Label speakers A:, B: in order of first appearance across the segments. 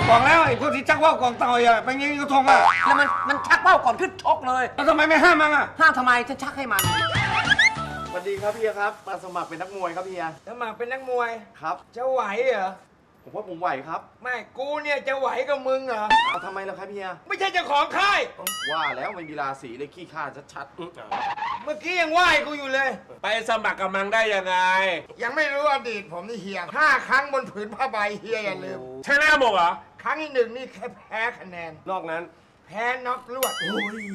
A: บอกแล้วไอ้พวกที่ชักว่าวกองเต่าอ่ะเป็นยิงกระทงอ่ะ
B: แล้วมันชักเป้าก่อนขึ้นชกเลย
A: แล้วทำไมไม่ห้ามมันอ่ะ
B: ห้ามทำไมฉันชักให้มัน
C: สวัสดีครับเฮียครับมาสมัครเป็นนักมวยครับเฮีย
D: สมัครเป็นนักมวย
C: ครับ
D: จะไหวเหรอ
C: ผมว่าผมไหวครับ
D: ไม่กูเนี่ยจะไหวกับมึงเหรอ
C: เอาทำไมล่ะครับเฮีย
D: ไม่ใช่เจ้าของค่าย
C: ว่าแล้วไม่มีราศีเลยขี้ข้าชัด
D: เมื่อกี้ยังไหว้กูอยู่เลย
E: ไปสมัครกับมังได้ยังไง
D: ยังไม่รู้อดีตผมนี่เฮีย5 ครั้งบนผืนผ้าใบเฮียอย่าลืม
E: ชนะหมดเหรอ
D: ครั้งที่1นี่แค่แพ้คะแนน
E: นอกนั้น
D: แพ้น็อกลวด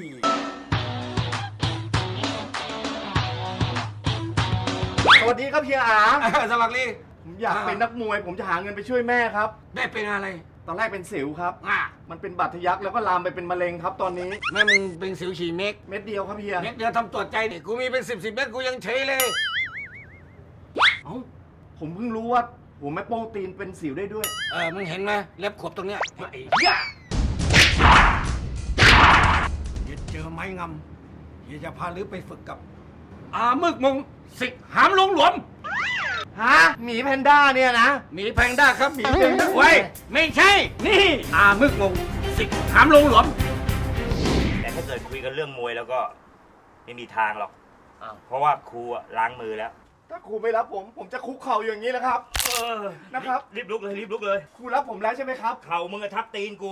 C: ๆสวัสดีครับเฮียอา
A: สมัครลี
C: ผมอยากเป็นนักมวย ผมจะหาเงินไปช่วยแม่ครับ
A: แม่เป็นอะไร
C: ตอนแรกเป็นสิวครับ
A: อ่ะ
C: มันเป็นบาดทะยักแล้วก็ลามไปเป็นมะเร็งครับตอนนี้
A: แม่มึงเป็นสิวฉี่เม็ก
C: เม็ดเดียวครับเฮีย
A: เม็ดเดียวทำตรวจใจดิกูมีเป็น10 เม็ดกูยังเฉยเลย
C: เอ้าผมเพิ่งรู้ว่าหัวแม่โป้งตีนเป็นสิวได้ด้วย
A: มึงเห็นไหมเล็บขบตรงเนี้ยไอ้เหี้ยเดี๋ยวเจอไม้งำเดี๋ยวจะพาลือไปฝึกกับ อามึกมงสิกหามลงหลวม
C: ฮะ หมีแพนด้าเนี่ยนะ
A: หมีแพงด้าครับหมีแพงด้าเว้ยไม่ใช่ นี่อามึกมงสิกหามลงหลวม
F: แต่ถ้าเกิดคุยกันเรื่องมวยแล้วก็ไม่มีทางหรอก
B: อ้าว
F: เพราะว่าครูอะล้างมือแล้ว
C: ถ้าครูไม่รับผม ผมจะคุกเข่าอย่างนี้แหละครับ นะครับ
F: รีบลุกเลยรีบลุกเลย
C: ครูรับผมแล้วใช่ไหมครับ
F: เข่ามึงอะทับตีนกู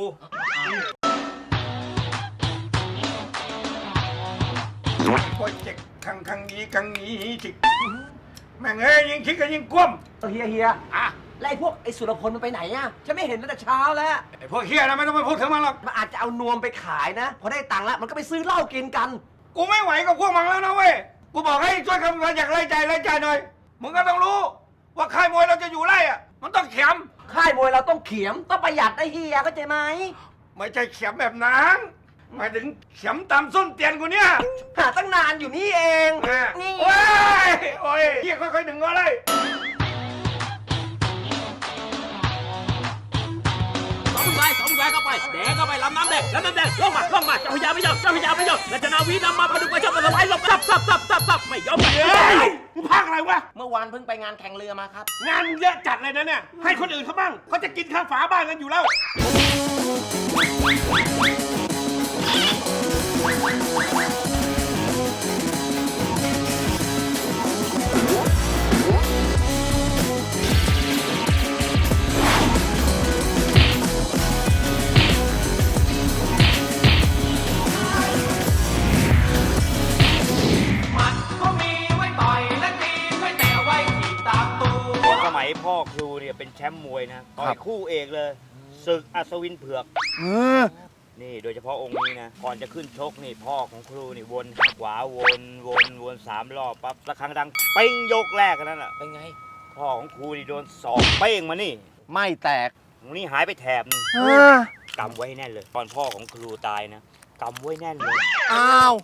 A: โปรเจกต์ครั้งนี้จิกแม่งเอ้ยยิงคิดกันยิงกลุ้ม
B: เฮีย
A: อ่ะ
B: แล้วไอ้พวกไอ้สุรพลมันไปไหนอะฉันไม่เห็นตั้งแต่เช้าแล้ว
A: ไอ้พวกเฮียนะไม่ต้องไปพูดถึงมันหรอก
B: มันอาจจะเอานวมไปขายนะ พอได้ตังค์แล้วมันก็ไปซื้อเหล้ากินกัน
A: กูไม่ไหวกับพวกมันแล้วนะเว้ยกูบอกให้ช่วยคำนวณอยากไล่ใจหน่อยมึงก็ต้องรู้ ว่าค่ายมวยเราจะอยู่ไล่อะมันต้องเข็ม
B: ค่ายมวยเราต้องเขียมต้องประหยัดได้เฮียเข้าใจไหม
A: ไม่ใช่เข็มแบบนั้นหมายถึงเข็มตามส้นเตียนกูเนี่ย
B: หาตั้งนานอยู่นี่เอง นี่
A: โอ้ยโอ้ยเฮียค่อยๆดึงก็เลย
G: สองแหวนเข้าไปแดงเข้าไปลำน้ำแดงลำน้ำแดงลงมาเจ้าพญาไม่ยอมราชนาวีนำมาพดุงประชาสมัยลบซับไม่ยอม
E: เฮ้ยมึงพากอะไรวะ
B: เมื่อวานเพิ่งไปงานแข่งเรือมาครับ
E: งานเยอะจัดเลยนะเนี่ย ให้คนอื่นเขาบ้างเขาจะกินข้าวฝาบ้านกันอยู่แล้ว
F: สมัยพ่อครูเนี่ยเป็นแชมป์มวยนะต่อยคู่เอกเลยศึกอัศวินเผือก นี่โดยเฉพาะองค์นี้นะ ก่อนจะขึ้นชกนี่พ่อของครูนี่วนข้างขวาวน3 รอบปั๊บละครั้งดังเป้งยกแรกกันนั่นแหละ
B: เป็นไง
F: พ่อของครูนี่โดนศอกเป้งมานี่
C: ไม่แตก
F: ตรงนี้หายไปแถบนึงกำไว้ให้แน่นเลย ตอนพ่อของครูตายนะกำไว้แน่นเลย
C: อ้าว